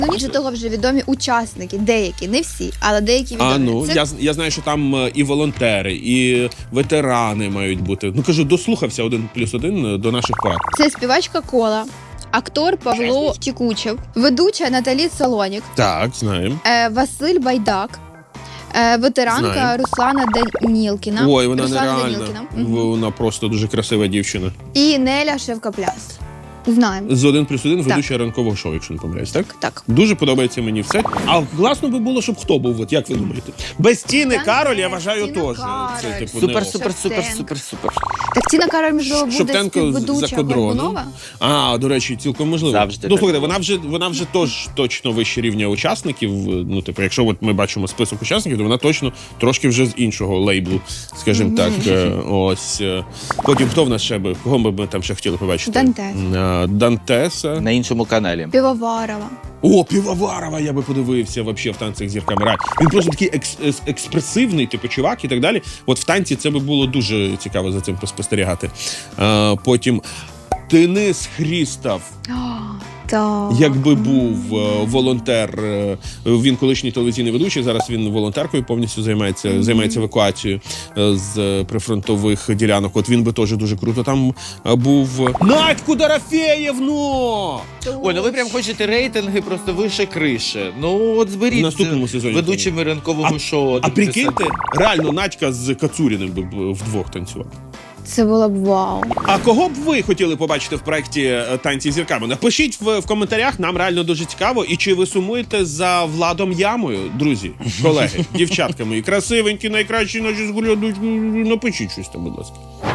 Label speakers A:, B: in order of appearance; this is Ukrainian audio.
A: Ну, ніж того вже відомі учасники, деякі, не всі, але деякі відомі.
B: А, ну, я знаю, що там і волонтери, і ветерани мають бути. Ну, кажу, дослухався 1+1 до наших порад.
A: Це співачка Кола, актор Павло Тікучев, ведуча Наталі Солонік,
B: Так, знаємо.
A: Василь Байдак, ветеранка
B: Знаю.
A: Руслана Данілкіна.
B: Ой, вона
A: Руслана
B: нереальна.
A: Данілкіна.
B: Вона просто дуже красива дівчина.
A: І Неля Шевкапляс. Знаємо.
B: З 1+1 ведуча ранкового шоу, якщо не помиляюсь, так?
A: Так.
B: Дуже подобається мені все. А класно би було, щоб хто був, от як ви думаєте? Без Тіни Кароль, я вважаю,
A: Тіна
B: теж.
A: Кароль.
B: Це, типу,
C: Супер,
B: не ок.
C: супер, супер, супер, супер.
A: Так Тіна Кароль, можливо, буде
B: Шептенко
A: співведуча
B: за кодроном.
A: Горбунова?
B: А, до речі, цілком можливо.
C: Завжди
B: Ну,
C: так
B: слухайте, вона вже точно вище рівня учасників. Ну, типу, якщо от ми бачимо список учасників, то вона точно трошки вже з іншого лейблу, скажімо так. Ось. Потім хто в нас ще би? Кого би ми там ще хотіли побачити?
A: Дантес.
B: Дантеса.
C: На іншому каналі.
A: Півоварова.
B: О, Півоварова, я би подивився вообще в танцях з зірками. Він просто такий експресивний, типу, чувак і так далі. От в танці це би було дуже цікаво за цим поспостерігати. Потім Денис Хрістов,
A: Так.
B: якби був волонтер, він колишній телевізійний ведучий, зараз він волонтеркою повністю займається евакуацією з прифронтових ділянок. От він би теж дуже круто там був. Надьку Дорофеєвну!
C: Ой, ну ви прям хочете рейтинги просто вище криші. Ну от зберіть
B: В наступному сезоні.
C: ведучими ранкового шоу.
B: А прикиньте, реально Надька з Кацуріним би вдвох танцював.
A: Це було б вау.
B: А кого б ви хотіли побачити в проєкті «Танці з зірками»? Напишіть в коментарях, нам реально дуже цікаво. І чи ви сумуєте за Владом Ямою, друзі, колеги, дівчатка мої, красивенькі, найкращі наші зглядуть, напишіть щось там, будь ласка.